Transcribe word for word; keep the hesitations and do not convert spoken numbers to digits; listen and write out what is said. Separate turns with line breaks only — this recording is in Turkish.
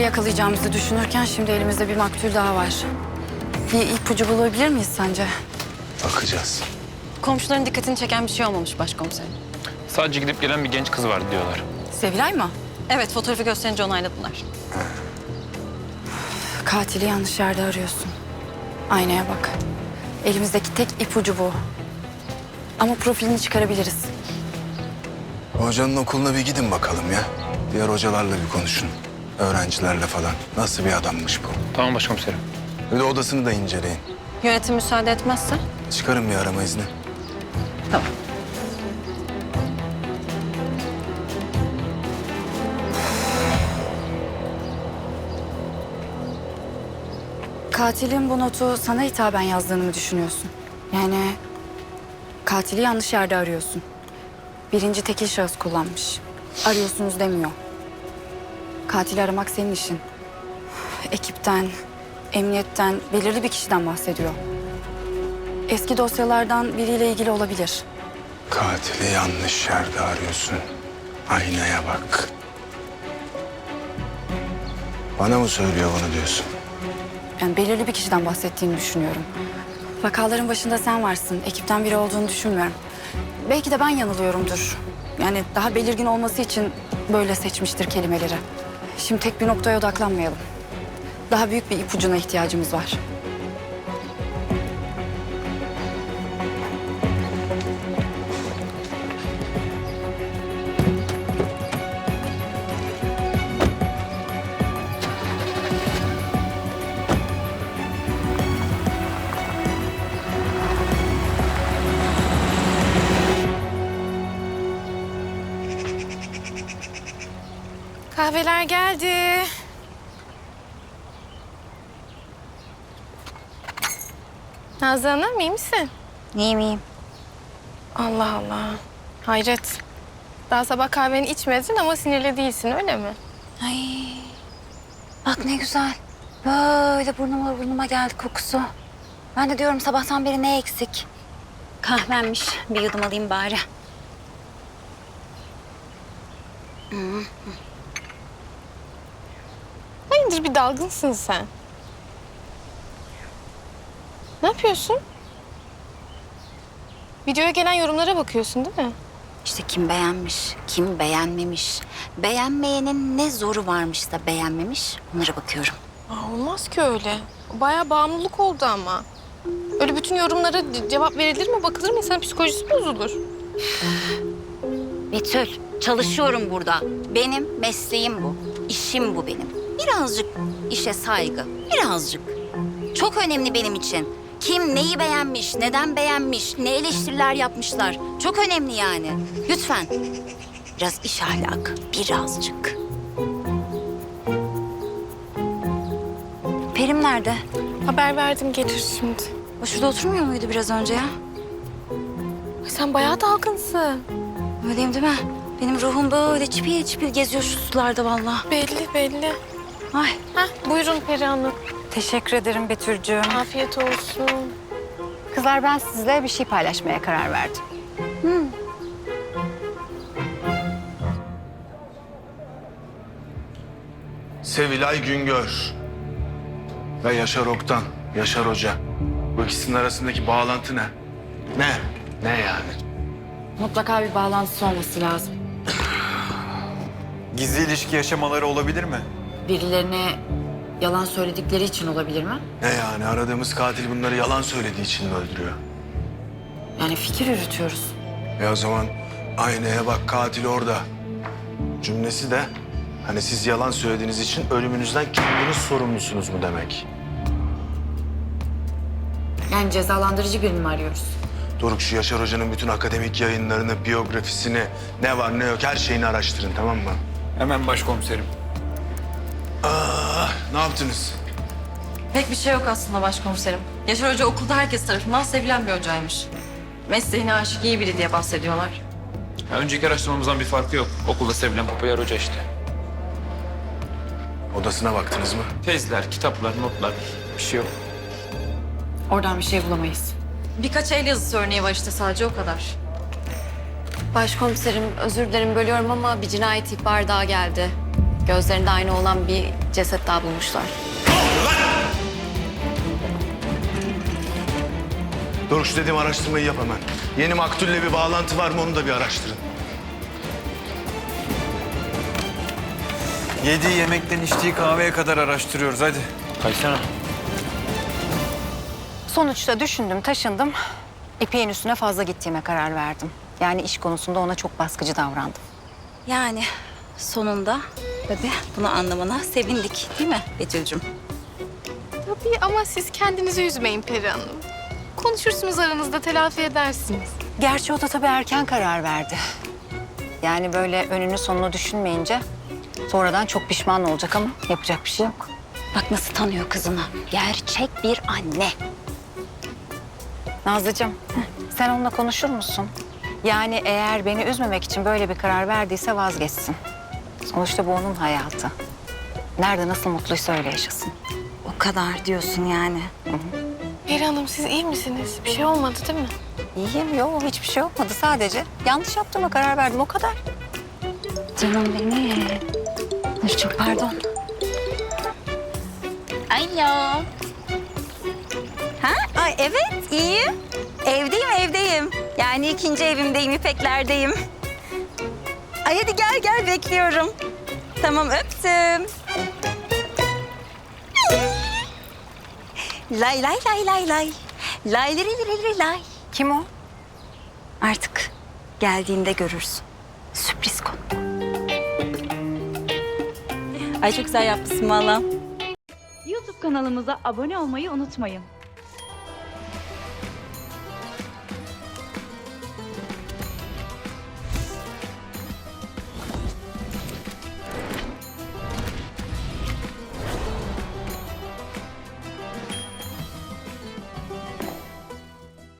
katili yakalayacağımızı düşünürken şimdi elimizde bir maktul daha var. Bir ipucu bulabilir miyiz sence?
Bakacağız.
Komşuların dikkatini çeken bir şey olmamış başkomiserim.
Sadece gidip gelen bir genç kız vardı diyorlar.
Sevilay mı?
Evet, fotoğrafı gösterince onayladılar.
Katili yanlış yerde arıyorsun. Aynaya bak. Elimizdeki tek ipucu bu. Ama profilini çıkarabiliriz.
Hocanın okuluna bir gidin bakalım ya. Diğer hocalarla bir konuşun. Öğrencilerle falan. Nasıl bir adammış bu?
Tamam başkomiserim.
Bir de odasını da inceleyin.
Yönetim müsaade etmezse?
Çıkarın bir arama izni.
Tamam.
Katilin bu notu sana hitaben yazdığını mı düşünüyorsun? Yani katili yanlış yerde arıyorsun. Birinci tekil şahıs kullanmış. Arıyorsunuz demiyor. Katili aramak senin işin. Ekipten, emniyetten, belirli bir kişiden bahsediyor. Eski dosyalardan biriyle ilgili olabilir.
Katili yanlış yerde arıyorsun. Aynaya bak. Bana mı söylüyor bunu diyorsun?
Yani belirli bir kişiden bahsettiğini düşünüyorum. Vakaların başında sen varsın. Ekipten biri olduğunu düşünmüyorum. Belki de ben yanılıyorumdur. Yani daha belirgin olması için böyle seçmiştir kelimeleri. Şimdi tek bir noktaya odaklanmayalım. Daha büyük bir ipucuna ihtiyacımız var.
Kahveler geldi. Nazlı Hanım iyi misin?
İyiyim iyiyim.
Allah Allah. Hayret. Daha sabah kahveni içmedin ama sinirli değilsin öyle mi?
Ay, bak ne güzel. Böyle burnuma burnuma geldi kokusu. Ben de diyorum sabahtan beri ne eksik? Kahvenmiş. Bir yudum alayım bari.
Hayırdır bir dalgınsın sen. Ne yapıyorsun? Videoya gelen yorumlara bakıyorsun değil mi?
İşte kim beğenmiş, kim beğenmemiş. Beğenmeyenin ne zoru varmış da beğenmemiş, onlara bakıyorum.
Aa, olmaz ki öyle. Bayağı bağımlılık oldu ama. Öyle bütün yorumlara ce- cevap verilir mi, bakılır mı? İnsanın psikolojisi bozulur.
Betül, çalışıyorum burada. Benim mesleğim bu. İşim bu benim. Birazcık işe saygı, birazcık. Çok önemli benim için. Kim neyi beğenmiş, neden beğenmiş, ne eleştiriler yapmışlar. Çok önemli yani. Lütfen. Biraz iş ahlakı, birazcık. Perim nerede?
Haber verdim gelir şimdi.
O şurada oturmuyor muydu biraz önce ya?
Ay, sen bayağı dalgınsın.
Öyleyim değil mi? Benim ruhum böyle çipil çipil geziyor şu sularda vallahi.
Belli belli.
Ay.
Heh, buyurun Peri Hanım.
Teşekkür ederim Betül'cüğüm.
Afiyet olsun.
Kızlar ben sizle bir şey paylaşmaya karar verdim.
Sevilay Güngör ve Yaşar Oktan, Yaşar Hoca. Bu ikisinin arasındaki bağlantı ne? Ne? Ne yani?
Mutlaka bir bağlantısı olması lazım.
Gizli ilişki yaşamaları olabilir mi?
Birilerine yalan söyledikleri için olabilir mi?
Ne yani? Aradığımız katil bunları yalan söylediği için mi öldürüyor?
Yani fikir yürütüyoruz.
E o zaman aynaya bak, katil orada. Cümlesi de hani siz yalan söylediğiniz için ölümünüzden kendiniz sorumlusunuz mu demek?
Yani cezalandırıcı birini mi arıyoruz?
Doruk, şu Yaşar Hoca'nın bütün akademik yayınlarını, biyografisini, ne var ne yok her şeyini araştırın, tamam mı?
Hemen başkomiserim.
Aa, ne yaptınız?
Pek bir şey yok aslında başkomiserim. Yaşar Hoca okulda herkes tarafından sevilen bir hocaymış. Mesleğine aşık iyi biri diye bahsediyorlar.
Ya önceki araştırmamızdan bir farkı yok. Okulda sevilen popüler hoca işte.
Odasına baktınız mı?
Tezler, kitaplar, notlar bir şey yok.
Oradan bir şey bulamayız.
Birkaç el yazısı örneği var işte, sadece o kadar.
Başkomiserim özür dilerim bölüyorum ama bir cinayet ihbarı daha geldi.
Gözlerinde aynı olan bir ceset daha bulmuşlar.
Doruk şu dediğim araştırmayı yap hemen. Yeni maktulle bir bağlantı var mı onu da bir araştırın.
Yediği yemekten içtiği kahveye kadar araştırıyoruz hadi.
Kaysana.
Sonuçta düşündüm, taşındım. İpek'in üstüne fazla gittiğime karar verdim. Yani iş konusunda ona çok baskıcı davrandım.
Yani sonunda tabii bunu anlamana sevindik değil mi Betül'cüm?
Tabii ama siz kendinizi üzmeyin Peri Hanım. Konuşursunuz aranızda, telafi edersiniz.
Gerçi o da tabii erken karar verdi. Yani böyle önünü sonunu düşünmeyince sonradan çok pişman olacak ama yapacak bir şey yok.
Bak nasıl tanıyor kızını. Gerçek bir anne.
Nazlıcığım, sen onunla konuşur musun? Yani eğer beni üzmemek için böyle bir karar verdiyse vazgeçsin. Sonuçta bu onun hayatı. Nerede nasıl mutluysa öyle yaşasın.
O kadar diyorsun yani.
Peri Hanım siz iyi misiniz? Bir şey olmadı değil mi?
İyiyim, yok hiçbir şey olmadı sadece. Yanlış yaptığıma karar verdim o kadar.
Canım benim. Dur çok pardon. Alo. Ha? Ay evet iyiyim. Evdeyim evdeyim. Yani ikinci evimdeyim, İpeklerdeyim. Ay hadi gel gel bekliyorum. Tamam öptüm. Lay lay lay lay lay. Lay lay lay lay.
Kim o?
Artık geldiğinde görürsün. Sürpriz konu. Ay çok güzel yapmışsın valla.
YouTube kanalımıza abone olmayı unutmayın.